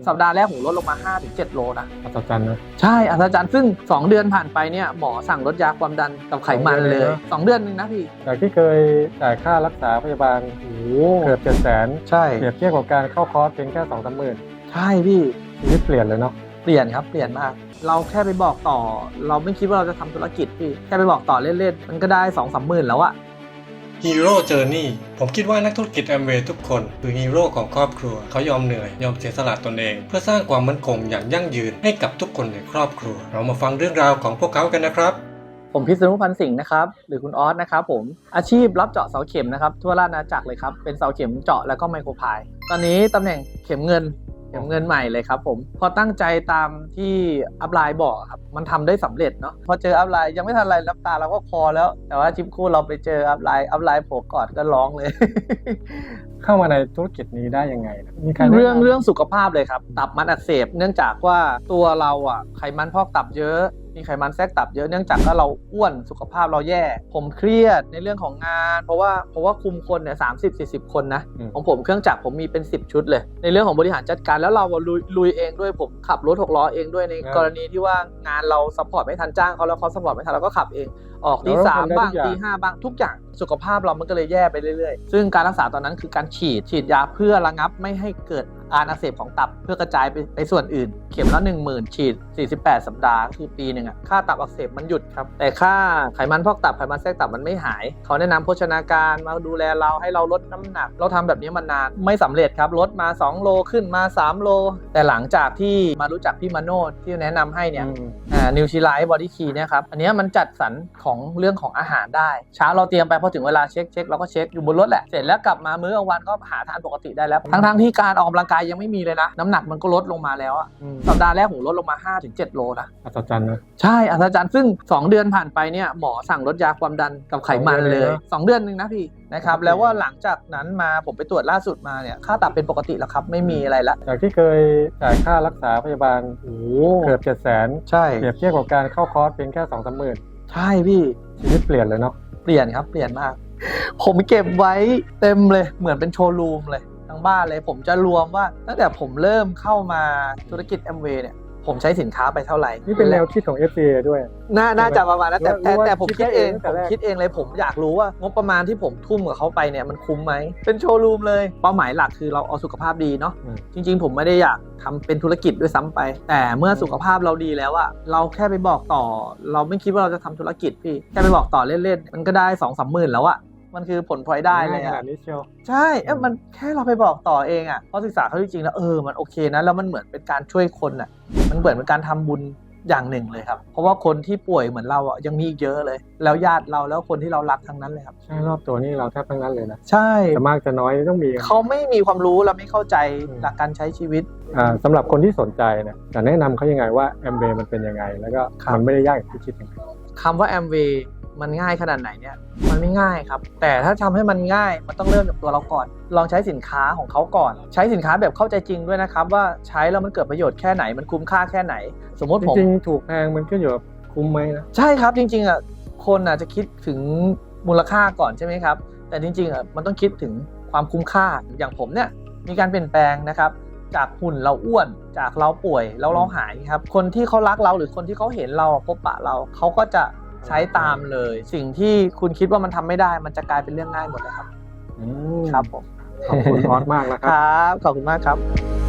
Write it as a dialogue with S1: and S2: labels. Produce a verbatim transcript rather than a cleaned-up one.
S1: สัปดาห์แรกผมลดลงมา ห้าถึงเจ็ด โลนะ
S2: อัศจรรย์นะ
S1: ใช่อัศจรรย์ซึ่งสองเดือนผ่านไปเนี่ยหมอสั่งลดยาความดันกับไขมันเลยสองเดือนนึงนะพี่
S2: จากที่เคยจ่ายค่ารักษาพยาบาลโอ้เกือบเจ็ดแสน
S1: ใช่
S2: เปรียบเทียบกับการเข้าคอร์สเพียงแค่สองสามหมื่น
S1: ใช่พี่
S2: ชีวิตเปลี่ยนเลยเนาะ
S1: เปลี่ยนครับเปลี่ยนมากเราแค่ไปบอกต่อเราไม่คิดว่าเราจะทำธุรกิจพี่แค่ไปบอกต่อเล่นๆมันก็ได้ สองสามหมื่นแล้วอะ
S3: Hero Journey ผมคิดว่านักธุรกิจ Amway ทุกคนคือฮีโร่ของครอบครัวเขายอมเหนื่อยยอมเสียสละตนเองเพื่อสร้างความมั่นคงอย่างยั่งยืนให้กับทุกคนในครอบครัวเรามาฟังเรื่องราวของพวกเขากันนะครับ
S1: ผมพิษณุพันธ์สิงห์นะครับหรือคุณออสนะครับผมอาชีพรับเจาะเสาเข็มนะครับทั่วราชอาณาจักรเลยครับเป็นเสาเข็มเจาะแล้วก็ไมโครพายตอนนี้ตำแหน่งเข็มเงินเข็มเงินใหม่เลยครับผมพอตั้งใจตามที่อัพไลน์บอกครับมันทำได้สำเร็จเนาะพอเจออัพไลน์ยังไม่ทันไรรับตาเราก็คอแล้วแต่ว่าชิปคู่เราไปเจออัพไลน์อัพไลน์โผล่กอดก็ร้องเลย
S2: เข้ามาในธุรกิจนี้ได้ยังไงมีใคร
S1: เรื่องเรื่องสุขภาพเลยครับตับมันอักเสบเนื่องจากว่าตัวเราอ่ะไขมันพอกตับเยอะมีไขมันแทรกตับเยอะเนื่องจากว่าเราอ้วนสุขภาพเราแย่ผมเครียดในเรื่องของงานเพราะว่าเพราะว่าคุมคนเนี่ยสามสิบสี่สิบคนนะของผมเครื่องจักรผมมีเป็นสิบชุดเลยในเรื่องของบริหารจัดการแล้วเราลุยลุยเองด้วยผมขับรถหกล้อเองด้วยในกรณีที่ว่างานเราซัพพอร์ตไม่ทันจ้างเขาแล้วเขาซัพพอร์ตไม่ทันเราก็ขับเองออกตีสามบ้างตีห้าบ้างทุกอย่างสุขภาพเรามันก็เลยแย่ไปเรื่อยๆซึ่งการรักษาตอนนั้นคือการฉีดฉีดยาเพื่อระงับไม่ให้เกิดการอักเสบของตับเพื่อกระจายไปไปส่วนอื่นเข็มละ หนึ่งหมื่น ฉีดสี่สิบแปดสัปดาห์คือปีหนึ่งอะค่าตับอักเสบมันหยุดครับแต่ค่าไขมันพอกตับไขมันแทรกตับมันไม่หายเขาแนะนำโภชนาการมาดูแลเราให้เราลดน้ำหนักเราทำแบบนี้มานานไม่สำเร็จครับลดมาสองโลขึ้นมาสามโลแต่หลังจากที่มารู้จักพี่มาโนดที่แนะนำให้เนี่ยอ่านิวทริไลท์บอดี้คีเนี่ยครับอันนี้มันจัดสรรของเรื่องของอาหารได้เช้าเราเตรียมไปพอถึงเวลาเช็คเช็คเราก็เช็คอยู่บนรถแหละเสร็จแล้วกลับมามื้อกลางวันก็หาทานปกติได้แล้วทั้งๆที่การออกกำลังกายยังไม่มีเลยนะน้ำหนักมันก็ลดลงมาแล้วอะสัปดาห์แรกผมลดลงมา ห้าถึงเจ็ด โลนะ
S2: อัศจรรย์นะ
S1: ใช่อัศจรรย์ซึ่งสองเดือนผ่านไปเนี่ยหมอสั่งลดยาความดันกับไขมันเลยสองเดือนนึงนะพี่นะครับแล้วว่าหลังจากนั้นมาผมไปตรวจล่าสุดมาเนี่ยค่าตับเป็นปกติแล้วครับไม่มีอะไรละ
S2: จากที่เคยจ่ายค่ารักษาพยาบาลโอ้เกือบเจ็ดแสน
S1: ใช่
S2: เปรียบเทียบกับการเข้าคอร์สเพียงแค่สองสามหมื่น
S1: ใช่พี่
S2: ชีวิตเปลี่ยนเลยเนาะ
S1: เปลี่ยนครับเปลี่ยนมากผมเก็บไว้เต็มเลยเหมือนเป็นโชว์รูมเลยทั้งบ้านเลยผมจะรวมว่าตั้งแต่ผมเริ่มเข้ามาธุรกิจ Amway เนี่ยผมใช้สินค้าไปเท่าไหร่
S2: นี่เป็นแนวคิดของ เอฟ ซี เอ ด้วย
S1: น่าน่าจะประมาณนั้นแต่แต่แต่ผมคิดเองผมคิดเองเลยผมอยากรู้ว่างบประมาณที่ผมทุ่มกับเขาไปเนี่ยมันคุ้มไหมเป็นโชว์รูมเลยเป้าหมายหลักคือเราเอาสุขภาพดีเนาะจริงๆผมไม่ได้อยากทำเป็นธุรกิจด้วยซ้ำไปแต่เมื่อสุขภาพเราดีแล้วอะเราแค่ไปบอกต่อเราไม่คิดว่าเราจะทำธุรกิจพี่แค่ไปบอกต่อเล่นๆมันก็ได้ สองสามหมื่นแล้วอะมันคือผลพลอยได้เลยอ่ะใช่เอ๊ะมันแค่เราไปบอกต่อเองอ่ะเพราะศึกษาเขาจริงๆแล้วเออมันโอเคนะแล้วมันเหมือนเป็นการช่วยคนอ่ะมันเหมือนเป็นการทำบุญอย่างหนึ่งเลยครับเพราะว่าคนที่ป่วยเหมือนเราอ่ะยังมีอีกเยอะเลยแล้วญาติเราแล้วคนที่เรารักทั้งนั้นเลยครับ
S2: ใช่รอบตัวนี่เราแทบทั้งนั้นเลยนะ
S1: ใช่
S2: แต่มากจะน้อยต้องมี
S1: เขาไม่มีความรู้และไม่เข้าใจหลักการใช้ชีวิต
S2: อ่าสำหรับคนที่สนใจเนี่ยจะแนะนำเขายังไงว่า Amway มันเป็นยังไงแล้วก็มันไม่ได้ยากอย่างที่คิดยังไง
S1: คำว่า Amwayมันง่ายขนาดไหนเนี่ยมันไม่ง่ายครับแต่ถ้าทำให้มันง่ายมันต้องเริ่มจากตัวเราก่อนลองใช้สินค้าของเขาก่อนใช้สินค้าแบบเข้าใจจริงด้วยนะครับว่าใช้แล้วมันเกิดประโยชน์แค่ไหนมันคุ้มค่าแค่ไหนสมมติผม
S2: จริงๆถูกแพงมันขึ้นอยู่กับคุ้มไหมนะ
S1: ใช่ครับจริงๆอ่ะคนอาจจะคิดถึงมูลค่าก่อนใช่ไหมครับแต่จริงๆอ่ะมันต้องคิดถึงความคุ้มค่าอย่างผมเนี่ยมีการเปลี่ยนแปลงนะครับจากหุ่นเราอ้วนจากเราป่วยแล้วเราหายครับคนที่เขารักเราหรือคนที่เขาเห็นเราพบปะเราเขาก็จะใช้ตามเลยสิ่งที่คุณคิดว่ามันทำไม่ได้มันจะกลายเป็นเรื่องง่ายหมดเลยครับครับผม
S2: ขอบคุณออสมากนะครับ
S1: ครับขอบคุณมากครับ